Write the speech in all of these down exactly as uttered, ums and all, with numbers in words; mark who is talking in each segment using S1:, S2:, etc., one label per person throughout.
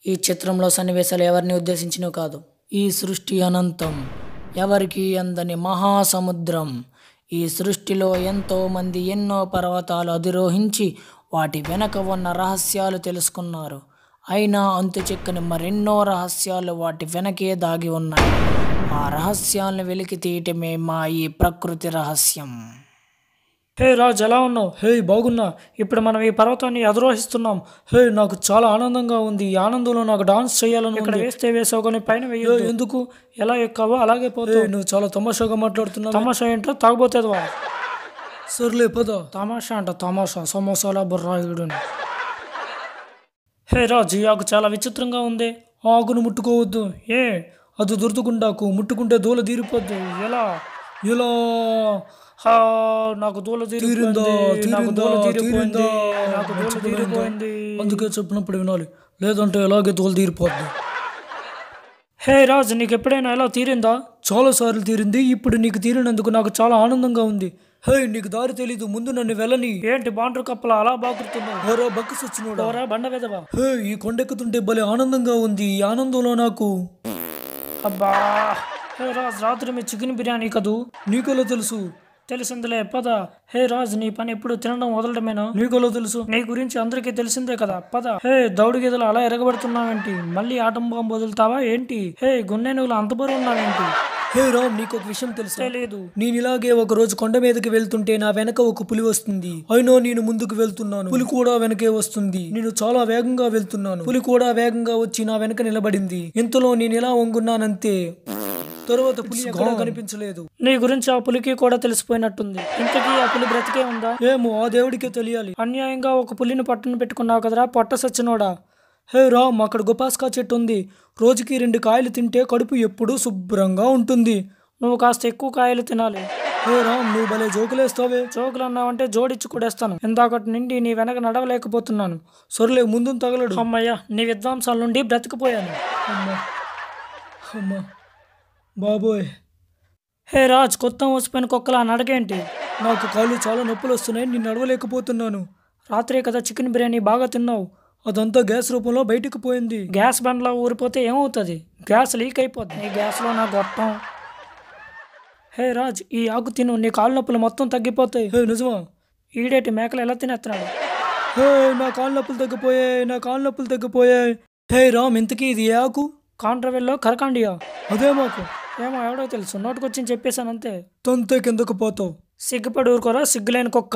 S1: ఈ చిత్రంలో సన్నివేశాలు ఎవరిని ఉద్దేశించినవి కాదు. ఈ సృష్టి అనంతం, ఎవరికి అందని మహాసముద్రం. ఈ సృష్టిలో ఎంతో మంది ఎన్నో పర్వతాలు అధిరోహించి వాటి వెనక ఉన్న రహస్యాలు తెలుసుకున్నారు. అయినా అంతు చిక్కని మరెన్నో రహస్యాలు వాటి వెనకే దాగి ఉన్నాయి. ఆ రహస్యాలను వెలికి తీయటమే మా ఈ ప్రకృతి రహస్యం.
S2: హే రాజ్, ఎలా ఉన్నావు? హే బాగున్నా. ఇప్పుడు మనం ఈ పర్వతాన్ని అధిరోహిస్తున్నాం. హే నాకు చాలా ఆనందంగా ఉంది. ఈ ఆనందంలో నాకు డాన్స్ చేయాలని ఇక్కడ వేస్తే వేసావు కానీ పైన వేయ ఎందుకు? ఎలా ఎక్కావో అలాగే పోతావు. నువ్వు చాలా తమాషాగా మాట్లాడుతున్నావు. తమాషా ఏంటో తాగబోతేదవా? సర్లే పద. తమాషా అంట తమాషా, సమోసాల బుర్రాయుడుని. హే రాజ్, ఈ ఆకు చాలా విచిత్రంగా ఉంది. ఆ ఆకును ముట్టుకోవద్దు. ఏ అది దురదగుండాకు, ముట్టుకుంటే దూల తీరిపోద్దు. ఎలా ఎలా హా నాకు దూల తీరిందా తీరిపోయింది నాకు దూల తీరిపోయింది అందుకే చెప్పినప్పుడు వినాలి, లేదంటే ఎలాగే దూల తీరిపోద్ది. హే రాజ్, నీకు ఎప్పుడైనా ఎలా తీరిందా? చాలాసార్లు తీరింది. ఇప్పుడు నీకు తీరినందుకు నాకు చాలా ఆనందంగా ఉంది. హే నీకు దారి తెలీదు, ముందు నన్ను వెళ్ళని. ఏంటి బాండ్రు కప్పలా అలా బాగుతున్నావు? ఓరా బక్కస్ వచ్చినోడా, ఓరా బండ వెదవా. హే ఈ కొండెక్కుతుంటే భలే ఆనందంగా ఉంది. ఈ ఆనందంలో నాకు అబ్బా. హే రాజ్, రాత్రి మీ చికెన్ బిర్యానీ కదూ? నీకెలా తెలుసు? తెలిసిందిలే పద. హే రాజ్, నీ పని ఎప్పుడు తినడం వదలడమేనా? నీకెలా తెలుసు? నీ గురించి అందరికీ తెలిసిందే కదా, పద. హే దౌడు గీదలు అలా ఎరగబడుతున్నావేంటి? మళ్ళీ ఆటం బాంబు వదులుతావా ఏంటి? హే గున్నె నువ్వులు అంత బరువు ఉన్నావేంటి? హే రామ్, నీకు ఒక విషయం తెలుసు? తెలియదు. నేను ఇలాగే ఒక రోజు కొండ మీదకి వెళ్తుంటే నా వెనక ఒక పులి వస్తుంది. అయినా నేను ముందుకు వెళ్తున్నాను, పులి కూడా వెనకే వస్తుంది. నేను చాలా వేగంగా వెళ్తున్నాను, పులి కూడా వేగంగా వచ్చి నా వెనక నిలబడింది. ఇంతలో నేను ఇలా వంగున్నానంతే. తర్వాత పులి ఎక్కడా కనిపించలేదు. నీ గురించి ఆ పులికి కూడా తెలిసిపోయినట్టుంది. ఇంతకీ ఆ పులి బ్రతికే ఉందా? ఏమో, ఆ దేవుడికే తెలియాలి. అన్యాయంగా ఒక పులిని పట్టును పెట్టుకున్నావు కదరా పొట్ట సచ్చినోడా. హే రామ్, అక్కడ గుపాస్కా చెట్టు ఉంది. రోజుకి రెండు కాయలు తింటే కడుపు ఎప్పుడూ శుభ్రంగా ఉంటుంది. నువ్వు కాస్త ఎక్కువ కాయలు తినాలి. హే రామ్, నువ్వు భలే జోకులేస్తావే. జోకులు అన్నావంటే జోడిచ్చి కూడేస్తాను. ఇందాకటి నుండి నీ వెనక నడవలేకపోతున్నాను. సొరలే, ముందు తగలడు. అమ్మయ్య, నీ విద్వాంసాల నుండి బ్రతికిపోయాను. అమ్మా అమ్మా బాబోయ్. హే రాజ్, కొత్త మోసిపోయిన కుక్కలా నడకేంటి? నాకు కాళ్ళు చాలా నొప్పులు వస్తున్నాయి, నేను నడవలేకపోతున్నాను. రాత్రే కదా చికెన్ బిర్యానీ బాగా తిన్నావు, అదంతా గ్యాస్ రూపంలో బయటకు పోయింది. గ్యాస్ బండ్లో ఊరిపోతే ఏమవుతుంది? గ్యాస్ లీక్ అయిపోద్ది. నీ గ్యాస్లో నా గొట్టం. హే రాజ్, ఈ ఆకు తిను, నీ కాళ్ళ నొప్పులు మొత్తం తగ్గిపోతాయి. హే నిజమా? ఈడేటి మేకలు ఎలా తినేస్తున్నాడు? హే నా కాళ్ళ నొప్పులు తగ్గిపోయాయి, నా కాళ్ళ నొప్పులు తగ్గిపోయాయి. హే రామ్, ఇంతకీ ఇది ఏ ఆకు? కాంట్రవెల్లో కరకాండియా. అదే మాకు ఏమో, ఎవడో తెలుసు, నోటుకొచ్చి చెప్పేశాను అంతే. తొంతే కిందకు పోతావు. సిగ్గుపడి ఊరుకోరా సిగ్గులేని కుక్క.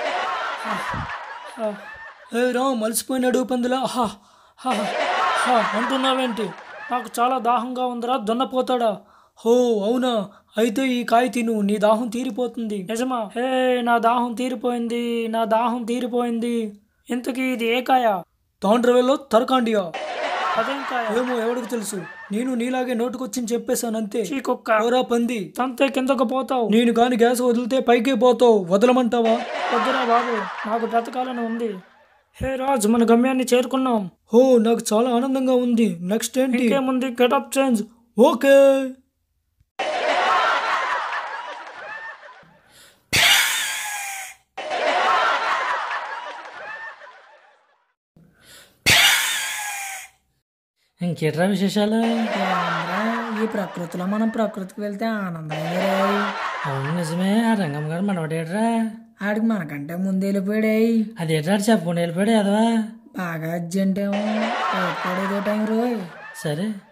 S2: హే రామ్, మలిసిపోయినాడు పందులా. హా హా హా అంటున్నావేంటి? నాకు చాలా దాహంగా ఉందిరా దున్నపోతాడా. హో అవునా, అయితే ఈ కాయ తిను, నీ దాహం తీరిపోతుంది. నిజమా? హే నా దాహం తీరిపోయింది, నా దాహం తీరిపోయింది. ఇంతకీ ఇది ఏ కాయ? తాండ్రవెల్లో తరకాండియా. అదేం కాయ? ఏమో, ఎవరికి తెలుసు. నేను నీలాగే నోటుకొచ్చి చెప్పేశాను అంతే. చీకొక్క పంది, తంతే కిందకు పోతావు. నేను గాని గ్యాస్ వదిలితే పైకే పోతావు. వదలమంటావా? వద్దురా బాబు, నాకు బ్రతకాలని ఉంది. హే రాజ్, మన గమ్యాన్ని చేరుకున్నాం. హో నాకు చాలా ఆనందంగా ఉంది. నెక్స్ట్ ఏంటి? ఇంకేముంది, గెటప్ చేంజ్. ఓకే.
S1: ఇంకేట్రా విశేషాలు? ఈ ప్రకృతిలో మనం ప్రకృతికి వెళ్తే ఆనందం. అవును నిజమే. ఆ రంగం గారు మనవాడేట్రా? ఆడికి మనకంటే ముందు వెళ్ళిపోయాడు. అదేట్రా చెప్పకుండా వెళ్ళిపోయాడు అదవా. బాగా అర్జెంట్ ఏమో, పడేదే టైం రోయ్. సరే